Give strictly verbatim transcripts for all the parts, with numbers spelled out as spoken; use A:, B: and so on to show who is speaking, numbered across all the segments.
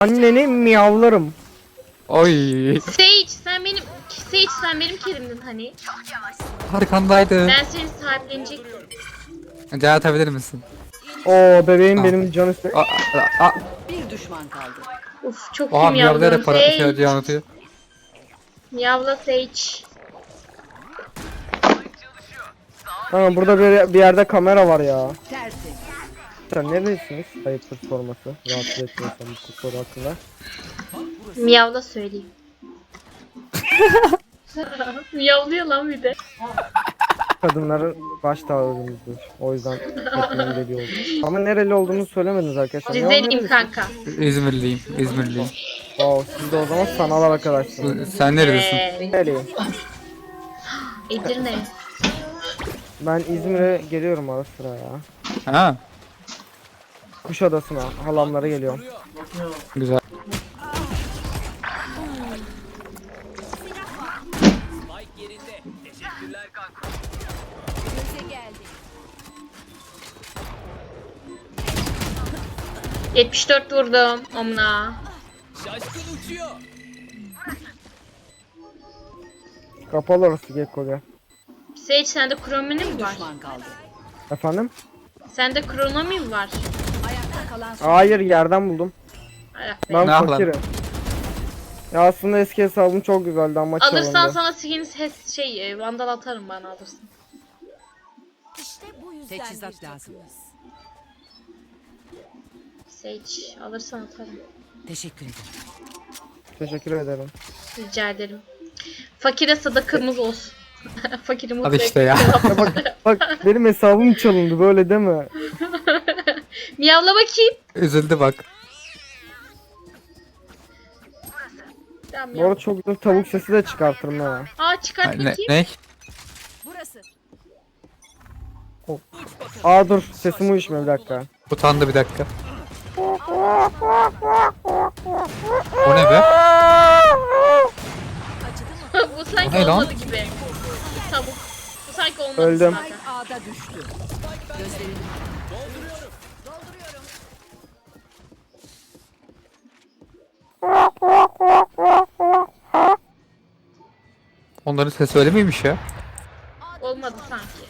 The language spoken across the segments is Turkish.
A: Anneni miyavlarım.
B: Oy.
C: Sage sen benim Sage sen benim kelimdin hani.
B: Arkandaydı.
C: Ben seni sahiplenecektim.
B: Can atabilir misin?
A: Oo bebeğim
B: Ah.
A: benim canı iste.
B: Aa, aa, aa.
D: Bir düşman kaldı.
C: Uf çok
B: Oha
C: kim
B: miyavlayarak
C: yavrum.
B: para şey
C: Sage.
B: Can atıyor.
C: Miyavla Sage.
A: Ha burada bir, bir yerde kamera var ya.
D: Tersi.
A: Sen neredesiniz? Ayıptır sorması. Rahatsız etmiyorsam bu soru hakkında.
C: Miyavla söyleyeyim. Miyavlıyor lan bir de.
A: Kadınların baş tacımızdır. O yüzden hepimiz deli olduk. Ama nereli olduğunu söylemediniz arkadaşlar. Ya
C: Rizeliyim
A: nerelisiniz?
C: kanka.
B: İzmirliyim. İzmirliyim.
A: Wow, siz de o zaman sanal arkadaşsınız.
B: Sen neredesin?
C: Ee,
A: Nereliyim?
C: Edirne.
A: Ben İzmir'e geliyorum ara sıra ya.
B: Ha,
A: Kuşadası'na halamlara geliyorum.
B: güzel.
C: yetmiş dört vurdum omuna.
A: Kapalı orası Gekko gel.
C: Sage sende kronomi mi var?
D: Düşman kaldı.
A: Efendim?
C: Sende kronomi mi var?
D: Ayakta kalan son.
A: Hayır yerden buldum.
C: Ayak be.
A: Ben
B: Ne yapalım?
A: fakirim. Ya aslında eski hesabım çok güzeldi ama
C: Alırsan
A: çalındı.
C: sana skin ses şey e, vandal atarım bana alırsın.
D: Teçhizat lazım.
C: Sage alırsan atarım.
D: Teşekkür ederim.
A: Teşekkür ederim.
C: Rica ederim. Fakire sadakamız olsun. Fakiri mutlu
B: Hadi işte ya.
A: Ya bak, bak benim hesabım çalındı böyle deme.
C: Miyavla bakayım.
B: Üzüldü bak.
C: Tamam,
A: Bu
C: miyav.
A: arada çok güzel tavuk sesi de çıkartırım ha.
C: Aa çıkart
B: Ne?
C: bakayım.
B: Ne?
D: Burası.
A: Aa dur sesim uyuşmuyor bir dakika.
B: Utandı bir dakika. O ne be?
C: Bu sanki
B: O ne lan?
C: olmadı gibi. Tavuk. Bu sanki olmadı
A: Öldüm.
C: zaten.
D: A'da düştü. Gözlerini
B: Onların sesi öyle miymiş ya?
C: Olmadı sanki.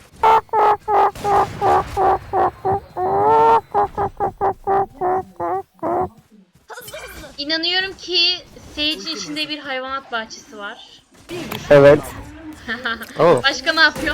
C: İnanıyorum ki Sage'in içinde bir hayvanat bahçesi var.
A: Evet.
B: Oo.
C: Başka ne yapıyor?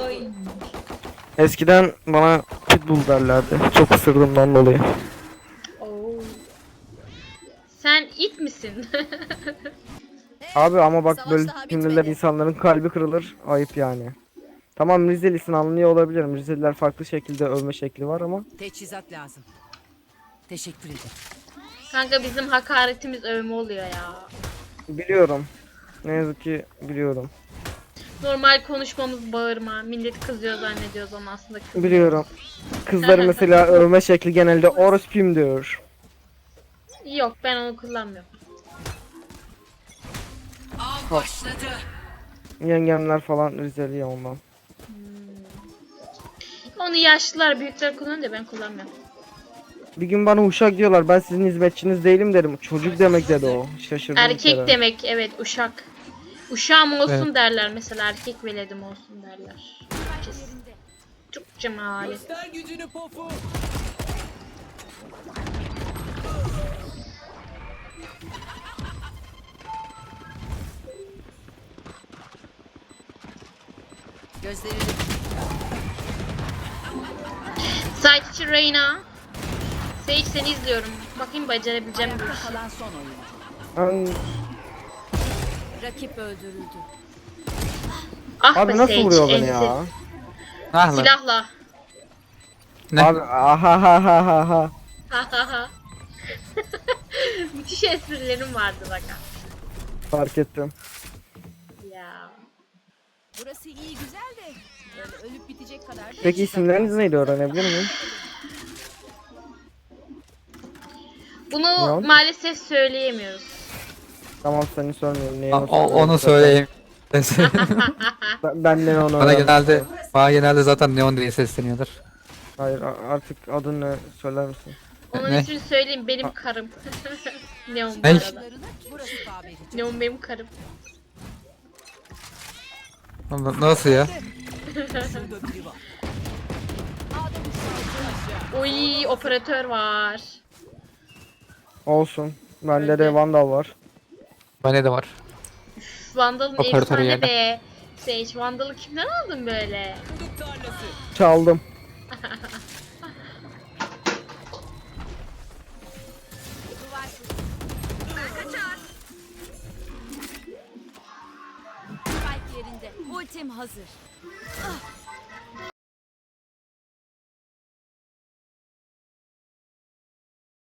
A: Eskiden bana pitbull derlerdi. Çok ısırdığımdan dolayı.
C: Oo. Sen it misin?
A: Abi ama bak böyle cümleler insanların kalbi kırılır. Ayıp yani. Tamam Rizelisin anlıyor olabilirim. Rizeliler farklı şekilde övme şekli var ama.
D: teçhizat lazım. Teşekkür ederim.
C: Kanka bizim hakaretimiz övme oluyor ya.
A: Biliyorum. Ne yazık ki biliyorum.
C: Normal konuşmamız bağırma. Millet kızıyor zannediyoruz ama aslında kızıyor.
A: Biliyorum. Kızları mesela övme şekli genelde orospim diyor.
C: Yok ben onu kullanmıyorum.
D: Av başladı.
A: Yengemler falan Rizeli ya ondan.
C: Onu yaşlılar büyükler kullanıyor da ben kullanmıyorum.
A: Bir gün bana uşak diyorlar ben sizin hizmetçiniz değilim dedim. Çocuk demek dedi o. Şaşırdım bir
C: Erkek
A: kere.
C: demek evet uşak. Uşağım olsun
B: Evet.
C: derler mesela erkek veledim olsun derler. Herkes. Çok cemalet.
D: Gözlerini
C: Site için Reyna. Sage seni izliyorum. Bakayım becerabileceğim bir
D: ayakta
C: iş.
D: kalan son oyuncu.
A: Ben...
D: Rakip öldürüldü.
C: Ah
A: Abi
C: be
A: nasıl
C: Sage,
A: vuruyor beni
C: ensi.
A: ya?
B: Ah lan.
C: Silahla.
B: Ne?
A: Abi aha ha ha ha ha.
C: Ha ha ha. Müthiş esprilerim vardı bak.
A: Fark ettim.
C: Ya.
D: Burası iyi güzel de böyle ölüp bitecek kadar.
A: Peki isimleriniz neydi öğrenebilir miyim?
C: Bunu
A: Ne?
C: maalesef söyleyemiyoruz.
A: Tamam seni sormuyorum. Neyi
B: O, o- onu söyleyeyim.
A: Ben, benden onu
B: Bana
A: öğrendim.
B: genelde bana genelde zaten Neon diye sesleniyorlar.
A: Hayır a- artık adını söyler misin?
C: Onun
B: Ne?
C: ismini söyleyeyim, benim karım. Neon bu
B: Ne?
C: arada.
D: Burası tabiri.
C: Neon benim karım.
B: Nasıl ya?
C: Oy, operatör var.
A: Olsun. Bende de
C: Öyle.
A: Vandal var.
B: Bende de var.
C: Vandal'ın
B: Operatörü
C: efsane
B: yerden.
C: be. Sage, Vandal'ı kimden aldın böyle?
A: Çaldım.
D: Spike yerinde. Ultim hazır. Ah,